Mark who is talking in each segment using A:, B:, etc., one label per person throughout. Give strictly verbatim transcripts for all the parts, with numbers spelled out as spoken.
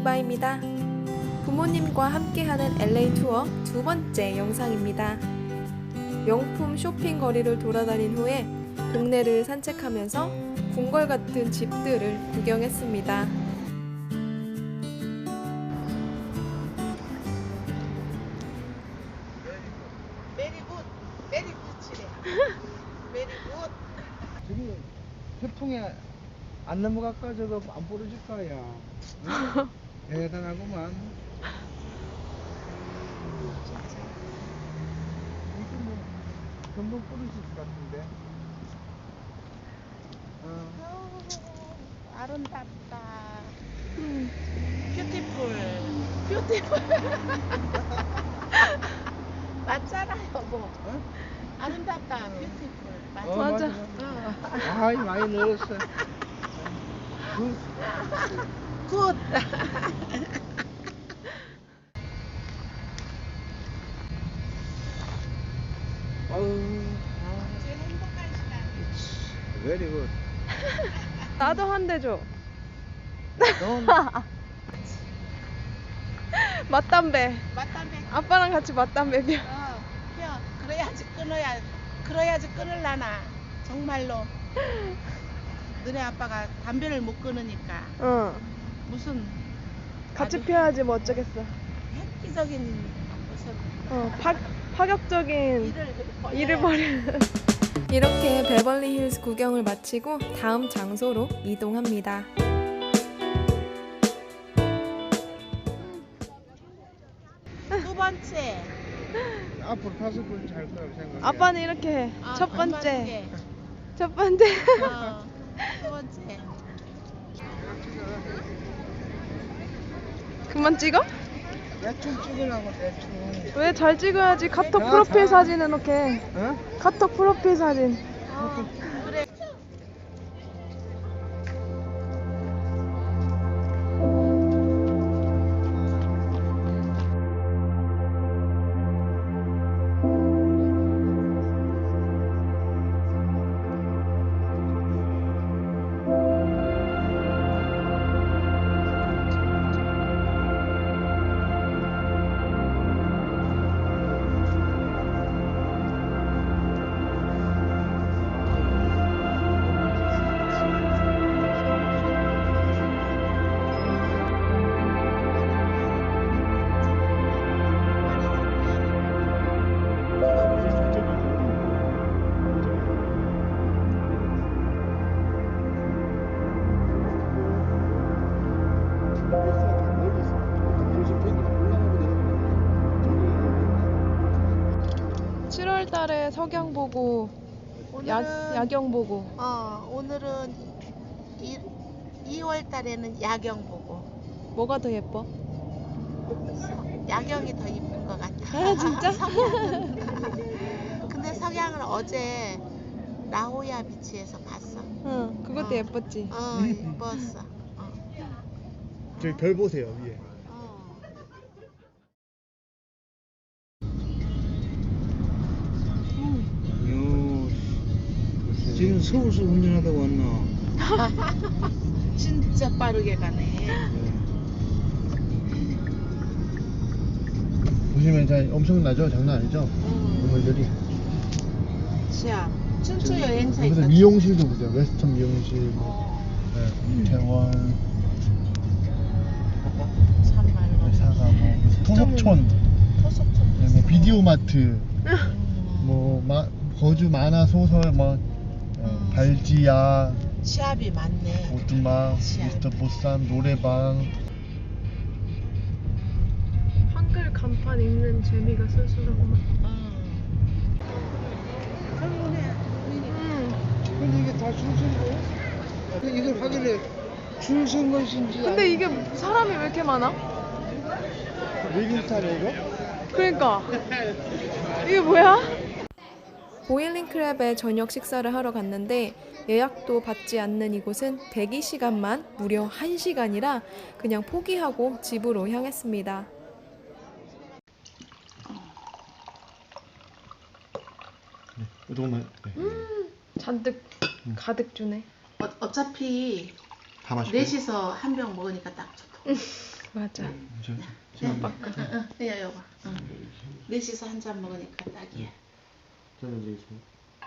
A: 이바입니다. 부모님과 함께하는 엘에이 투어 두 번째 영상입니다. 명품 쇼핑 거리를 돌아다닌 후에 동네를 산책하면서 궁궐 같은 집들을 구경했습니다.
B: 메리굿, 메리굿이래. 메리굿.
C: 저기 태풍에 안 넘어갈까 저거 안 부러질 거야. 응? 대단하구만. 이게 뭐 금방 부러질 것 같은데. 어.
B: 아우, 아름답다.
A: 음.
B: 뷰티풀. 뷰티풀. 맞잖아, 여보.
C: 어?
B: 아름답다. 뷰티풀. 맞아.
C: 어,
A: 맞아.
B: 어.
C: 아이 많이 늘었어. 그
B: 굿.
C: 아우.
B: 제일 행복한 시간.
C: Very good.
A: 나도 한 대 줘.
C: 넌
A: 맞담배.
B: 맞담배.
A: 아빠랑 같이 맞담배 펴.
B: 어, 펴. 그래야지 끊어야, 그래야지 끊을라나. 정말로. 너네 아빠가 담배를 못 끊으니까.
A: 응.
B: 무슨
A: 같이
B: 아주
A: 펴야지 뭐 어쩌겠어.
B: 획기적인 무슨
A: 어, 파, 파격적인
B: 일을 벌여야
A: 일을 벌여. 이렇게 베벌리 힐스 구경을 마치고 다음 장소로 이동합니다.
B: 두 번째.
C: 앞으로 다섯 번째 할 거라고 생각해.
A: 아빠는 이렇게 해.
B: 아,
A: 첫
B: 반반
A: 번째,
B: 두 개.
A: 첫 번째.
B: 어, 두 번째.
A: 그만 찍어?
C: 대충 찍으라고 대충.
A: 왜 잘 찍어야지. 카톡
C: 자,
A: 프로필
C: 자.
A: 사진은 이렇게.
C: 어?
A: 카톡 프로필 사진.
B: 어, 그래.
A: 칠월 달에 석양 보고 야,
B: 오늘은
A: 야경 보고.
B: 어, 오늘은 이, 이월 달에는 야경 보고.
A: 뭐가 더 예뻐?
B: 야경이 더 이쁜 것 같아.
A: 아, 진짜?
B: 석양은. 근데 석양을 어제 라호야 비치에서 봤어.
A: 응, 그것도
B: 어.
A: 예뻤지.
B: 어, 이뻤어. 어.
C: 저기 별 보세요 위에.
B: 어.
C: 요 지금 서울서 운전하다 왔나?
B: 진짜 빠르게 가네.
C: 보시면 자 엄청나죠? 장난 아니죠?
B: 음.
C: 건물들이.
B: 시야. 춘추 여행사
C: 여기서
B: 있었지.
C: 미용실도 보세요. 웨스턴 미용실, 뭐,
B: 어,
C: 네, 태원,
B: 참말로.
C: 사가, 뭐 토속촌,
B: 토속촌.
C: 네, 뭐 비디오 마트,
B: 음.
C: 뭐 마, 거주 만화 소설, 뭐 네,
B: 음.
C: 발지야,
B: 시합이 많네.
C: 오두막,
B: 시합.
C: 미스터 보쌈, 노래방.
A: 한글 간판 읽는 재미가 쏠쏠하구만.
B: 음. 그러네.
A: 음.
C: 근데 이게 다 줄 선 거예요? 이걸 확인해. 줄 선 것인지.
A: 근데 이게 사람이 왜 이렇게 많아?
C: 리빙스타네 이거?
A: 그러니까 이게 뭐야? 보일링 크랩에 저녁 식사를 하러 갔는데 예약도 받지 않는 이곳은 대기 시간만 무려 한 시간이라 그냥 포기하고 집으로 향했습니다.
C: 네, 이거만. 네.
A: 잔뜩
C: 음.
A: 가득 주네.
B: 어, 어차피
C: 다 마실게요.
B: 넷이서 한 병 먹으니까 딱 좋다.
A: 맞아.
C: 저,
B: 응, 응, 응, 응, 여기 봐. 응. 넷이서 한 잔 먹으니까 딱이야.
C: 저는 이제 있습니다.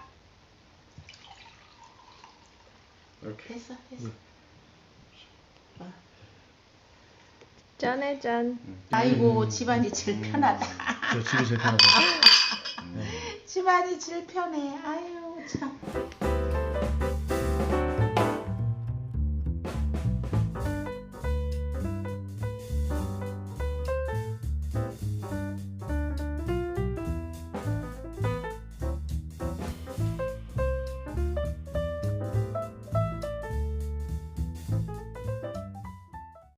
C: 이렇게.
B: 됐어, 됐어. 어.
A: 짠해 짠.
B: 아이고, 집안이 제일 편하다.
C: 저 집이 제일 편하다.
B: 집안이 제일 편해. 아유, 참.